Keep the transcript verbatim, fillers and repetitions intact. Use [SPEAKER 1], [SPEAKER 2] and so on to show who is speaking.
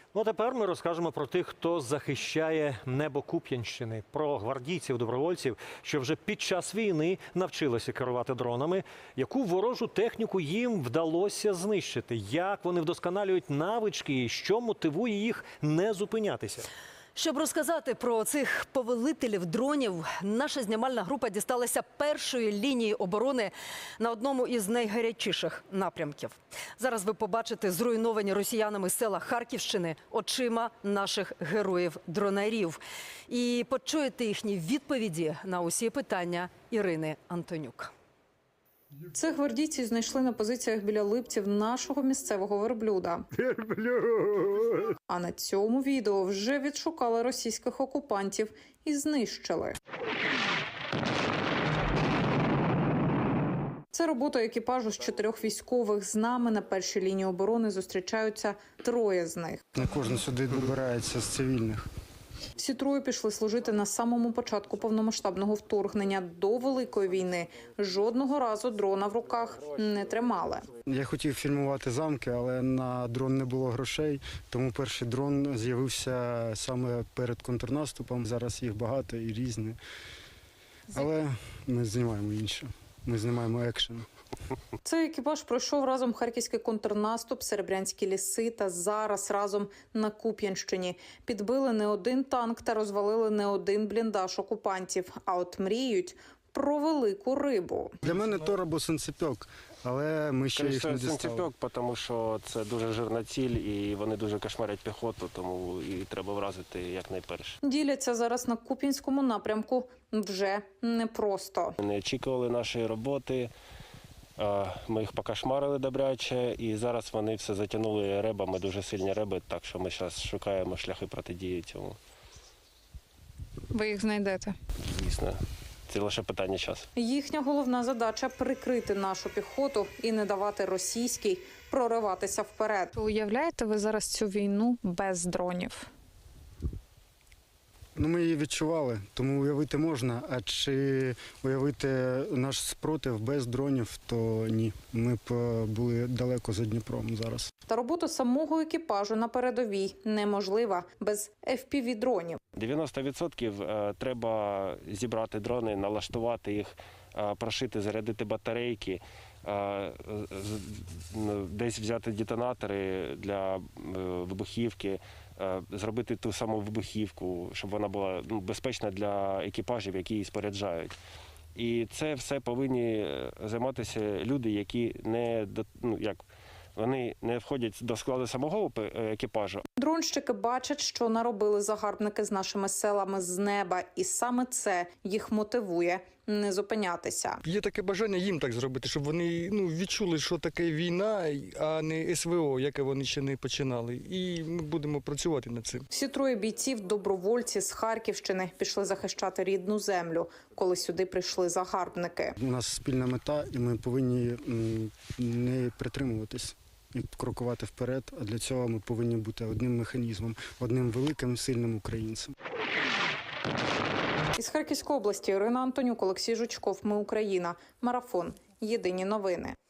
[SPEAKER 1] Ну, а тепер ми розкажемо про тих, хто захищає небо Куп'янщини, про гвардійців-добровольців, що вже під час війни навчилися керувати дронами, яку ворожу техніку їм вдалося знищити, як вони вдосконалюють навички і що мотивує їх не зупинятися.
[SPEAKER 2] Щоб розказати про цих повелителів дронів, наша знімальна група дісталася першої лінії оборони на одному із найгарячіших напрямків. Зараз ви побачите зруйновані росіянами села Харківщини очима наших героїв-дронарів. І почуєте їхні відповіді на усі питання Ірини Антонюк.
[SPEAKER 3] Цих гвардійців знайшли на позиціях біля Липців нашого місцевого верблюда.
[SPEAKER 1] Верблюд!
[SPEAKER 3] А на цьому відео вже відшукали російських окупантів і знищили. Це робота екіпажу з чотирьох військових. З нами на першій лінії оборони зустрічаються троє з них.
[SPEAKER 4] Не кожен сюди добирається з цивільних.
[SPEAKER 3] Всі троє пішли служити на самому початку повномасштабного вторгнення. До Великої війни жодного разу дрона в руках не тримали.
[SPEAKER 4] Я хотів фільмувати замки, але на дрон не було грошей, тому перший дрон з'явився саме перед контрнаступом. Зараз їх багато і різні. Але ми знімаємо інше. Ми знімаємо екшен.
[SPEAKER 3] Цей екіпаж пройшов разом харківський контрнаступ, серебрянські ліси та зараз разом на Куп'янщині. Підбили не один танк та розвалили не один бліндаж окупантів. А от мріють про велику рибу.
[SPEAKER 4] Для мене тор або синцепьок, але ми ще їх не дістали.
[SPEAKER 5] Синцепьок, тому що це дуже жирна ціль і вони дуже кошмарять піхоту, тому і треба вразити якнайперше.
[SPEAKER 3] Діляться зараз на Куп'янському напрямку вже непросто.
[SPEAKER 5] Не очікували нашої роботи, ми їх покошмарили добряче, і зараз вони все затягнули ребами, дуже сильні реби, так що ми зараз шукаємо шляхи протидії цьому.
[SPEAKER 3] Ви їх знайдете?
[SPEAKER 5] Звісно, це лише питання часу.
[SPEAKER 3] Їхня головна задача – прикрити нашу піхоту і не давати російській прориватися вперед.
[SPEAKER 6] Уявляєте ви зараз цю війну без дронів?
[SPEAKER 4] Ну, ми її відчували, тому уявити можна. А чи уявити наш спротив без дронів, то ні. Ми б були далеко за Дніпром зараз.
[SPEAKER 3] Та робота самого екіпажу на передовій неможлива без еф пі ві-дронів.
[SPEAKER 5] дев'яносто відсотків треба зібрати дрони, налаштувати їх, прошити, зарядити батарейки, десь взяти детонатори для вибухівки, зробити ту саму вибухівку, щоб вона була ну, безпечна для екіпажів, які її споряджають. І це все повинні займатися люди, які не, ну, як, вони не входять до складу самого екіпажу.
[SPEAKER 3] Дронщики бачать, що наробили загарбники з нашими селами з неба, і саме це їх мотивує не зупинятися.
[SPEAKER 7] Є таке бажання їм так зробити, щоб вони ну, відчули, що таке війна, а не ес ве о, яке вони ще не починали. І ми будемо працювати над цим.
[SPEAKER 3] Всі троє бійців, добровольці з Харківщини, пішли захищати рідну землю, коли сюди прийшли загарбники.
[SPEAKER 4] У нас спільна мета, і ми повинні не притримуватись і крокувати вперед, а для цього ми повинні бути одним механізмом, одним великим, сильним українцем.
[SPEAKER 3] Із Харківської області Ірина Антонюк, Олексій Жучков. Ми Україна. Марафон. Єдині новини.